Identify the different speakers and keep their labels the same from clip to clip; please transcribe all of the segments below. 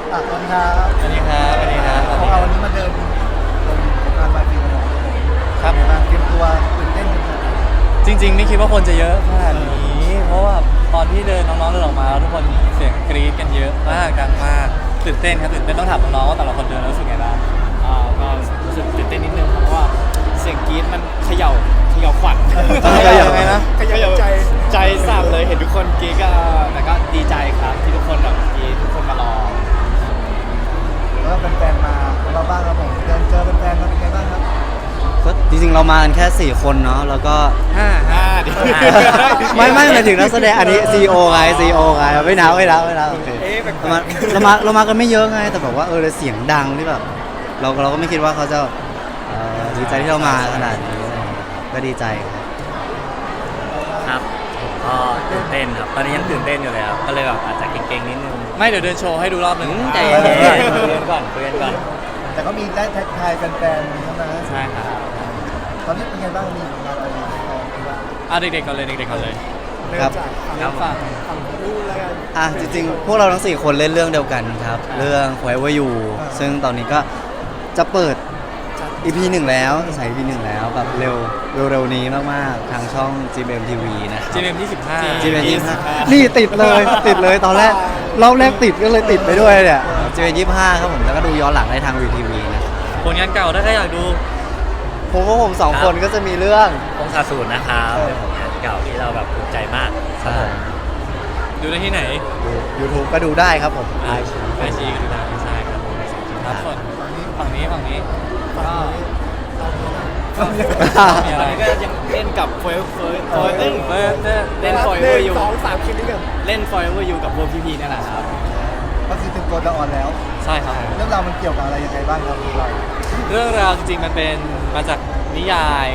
Speaker 1: สวัสดีครับ
Speaker 2: สวัสดีครับสวัสดีครับ
Speaker 1: ของเราวันนี้มาเดินตรงงานบาร์บีกันหน่อย
Speaker 2: ครับ
Speaker 1: เป็นไงบ้างเตรียมตัวตื่นเต้นกันไหม
Speaker 2: จริงๆไม่คิดว่าคนจะเยอะขนาดนี้ เพราะว่าตอนที่เดินน้องๆเดินออกมาแล้วทุกคนเสียงกรี๊ดกันเยอะมากดังมากตื่นเต้นครับตื่นเต้นต้องถามน้องๆว่าแต่ละคนเดินแล้วรู้สึกไงบ้าง
Speaker 3: ก็รู้สึกตื่นเต้นนิดนึงครับเพราะว่าเสียงกรี๊ดมันเขย่าขวัญ
Speaker 2: เขย่ายังไงนะ
Speaker 3: เขย่าใจสั่นเลยเห็นทุกคนกรี๊ดก็แต่ก็ดีใจครับที่ทุกคนแบบกรี๊ดทุกคนมารอ
Speaker 1: แล้วก็เป็นแฟนมาของเราบ้างครับผมเดินเจอเป็นแฟนมาเป็นไงบ้างครับ
Speaker 4: ก็จริงๆเรามากันแค่ 4 คนเนาะแล้วก็
Speaker 3: เดี๋ยว
Speaker 4: ไม่หมายถึงนักแสดงอันนี้ CEO ไง CEO ไงไม่นับโอเค
Speaker 3: เอ๊ะแปลกๆ
Speaker 4: เรามากันไม่เยอะไงแต่แบบว่าเสียงดังที่แบบเราก็ไม่คิดว่าเขาจะดีใจที่เรามาขนาดนี้ก็ดีใจครับ
Speaker 5: ครับก็ตื่นเต้นครับตอนนี้ยังตื่นเต้นอยู่เลยครับก็เลยแบบอาจจะเก่งๆนิดนึง
Speaker 2: ไม่เดี๋ยวเดินโชว์ให้ดูรอบหนึ่ง
Speaker 5: ใจเย็นๆคุยกันก่อน
Speaker 1: แต่ก็มีได้แท็กทายแฟนๆใช่ไหม
Speaker 5: ใช่ครับ
Speaker 1: ตอนนี้เป็นไงบ้างมีงานอะไรบ้าง
Speaker 2: เด็กๆก่อนเลยเด็กๆก่อนเลย
Speaker 4: ครับ
Speaker 2: ครับฝาก
Speaker 4: จริงๆพวกเราทั้ง 4 คนเล่นเรื่องเดียวกันครับเรื่อง Forever You ซึ่งตอนนี้ก็จะเปิด EP 1 แล้วจะใส่ EP 1 แล้วแบบเร็วนี้มากๆทางช่อง GMM TV นะครับ
Speaker 2: GMM 25
Speaker 4: GMM 25นี่ติดเลยตอนแรกรอบแรกติดก็เลยติดไปด้วยเนี่ย GMM 25ครับผมแล้วก็ดูย้อนหลังได้ทาง VTV นะครับ
Speaker 2: ผลงานเก่าถ้าใครอยากดู
Speaker 4: ผมสองคนก็จะมีเรื่อง
Speaker 5: องศาศูนย์นะครับเป็นผลงานเก่าที่เราแบบภูมิใจมากครับผม
Speaker 2: ดูได้ที่ไหน
Speaker 4: YouTube ก็ดูได้ครับผม
Speaker 2: ไอชีก็ดูได้ใช่ครับครับส่วนฝั่งนี้ก็มีอะไร
Speaker 3: ตอนนี้ก็ยังเล่นกับเล่น Forever You
Speaker 1: 2-3 คลิปนี้กัน
Speaker 3: เล่น Forever You กับพวกพี่ๆนี่แหละครับ
Speaker 1: ก็คือถึงตัวจะออนแล้ว
Speaker 2: ใช่ครับ
Speaker 1: เรื่องราวมันเกี่ยวกับอะไรยังไงบ้างครับเรา
Speaker 2: เรื่องราวจริงๆมันเป็นมาจากนิยาย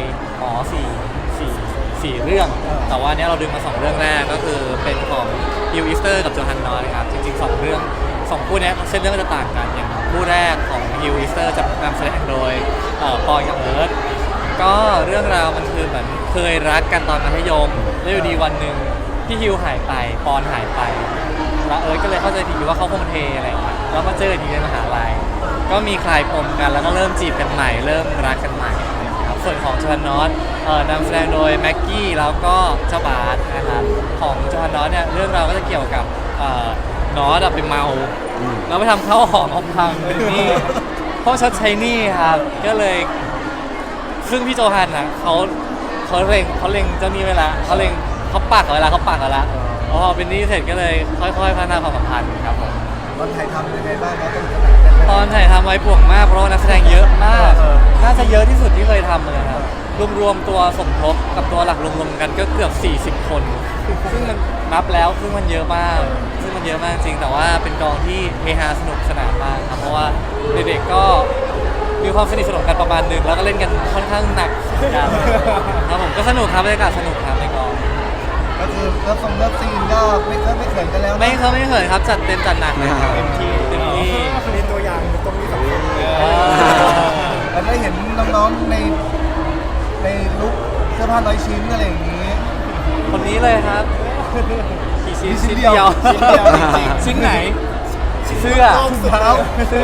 Speaker 2: 4เรื่อง แต่ว่าเนี้ยเราดึงมา2เรื่องแรกก็คือเป็นของฮิวอีสเตอร์กับโจฮันนอยครับจริงๆ2เรื่อง2คู่เนี้ยเส้นเรื่องก็จะต่างกันอย่างคู่แรกของฮิวอีสเตอร์จะนำแสดงโดยปอยกับเอิร์ธก็เรื่องราวมันคือเหมือนเคยรักกันตอนมัธยมแล้วอยู่ดีวันหนึ่งพี่ฮิวหายไปปอนหายไปแล้วเอิร์ธก็เลยเข้าใจผิดว่าเขาคงเทอะไรอย่างเงี้ยแล้วมาเจออีกทีในมหาลัยก็มีคลายปมกันแล้วก็เริ่มจีบกันใหม่เริ่มรักกันใหม่ครับส่วนของโจฮันนอตนำแสดงโดยแม็กกี้แล้วก็เจ้าบาสนะครับของโจฮันนอตเนี่ยเรื่องราวก็จะเกี่ยวกับนอตไปเมาแล้วไปทำข้าวหอมเอาพังเป็นหนี้เพราะชดใช้หนี้ครับก็เลยซึ่งพี่โจฮันนะเขาเล็งเจ้าหนี้ไว้ละเขาปักเอาไว้ละพอเป็นหนี้เสร็จก็เลยค่อยๆพัฒนาความสัมพันธ์ครับผม
Speaker 1: ตอนถ่ายทำยังไงบ้างครับ
Speaker 2: ตอนถ่ายทำไว้ป่วงมากเพราะว่านักแสดงเยอะมากน่าจะเยอะที่สุดที่เคยทำเลยครับรวมตัวสมทบกับตัวหลักรวมๆกันก็เกือบ40 คนซึ่งมันนับแล้วซึ่งมันเยอะมากจริงแต่ว่าเป็นกองที่เฮฮาสนุกสนานมากครับเพราะว่าเด็กๆก็มีความสนิทสนมกันประมาณนึงแล้วก็เล่นกันค่อนข้างหนักกันครับผมก็สนุกครับบรรยากาศสนุกครับในกอง
Speaker 1: ก็คือเลิฟซีนก็ไม่เขินกันแล้ว
Speaker 2: ไม่เขินครับจัดเต็มจัดหนักเลยครับเต็มที่
Speaker 1: มีตัวอย่างตรงนี้สำคัญแล้วได้เห็นน้องๆในลุคเสื้อผ้าน้อยชิ้นอะไรอย่างนี้
Speaker 2: คนนี้เลยครับกี่ชิ้น
Speaker 1: ชิ้นเดียว
Speaker 2: ชิ้นไหนเสื้อถุงเท้า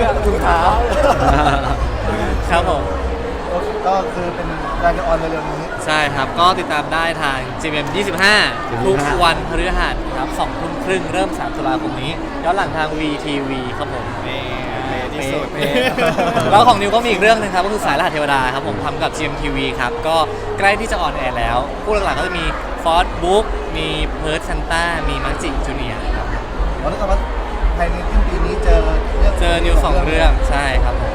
Speaker 2: ครับผม
Speaker 1: ก็คือเป็นการจะออนเร็วๆนี้
Speaker 2: ใช่ครับก็ติดตามได้ทาง GMM 25 ทุกวันพฤหัสครับ2 ทุ่มครึ่งเริ่ม3 ตุลาคมนี้ย้อนหลังทาง VTV ครับผม
Speaker 3: ที่สุด
Speaker 2: แล้วของนิวก็มีอีกเรื่องนึงครับก็คือสายรหัสเทวดาครับผมทำกับ GMTV ครับก็ใกล้ที่จะออนแอร์แล้วผู้หลักๆก็จะมีฟอร์ดบุ๊กมีเพิร์ดซันต้ามีมังจิจูเนียร์ครับ
Speaker 1: วันนี้ก็ว่าภายในสิ้นปีนี้เจอ
Speaker 2: นิว2 เรื่องใช่ครับผม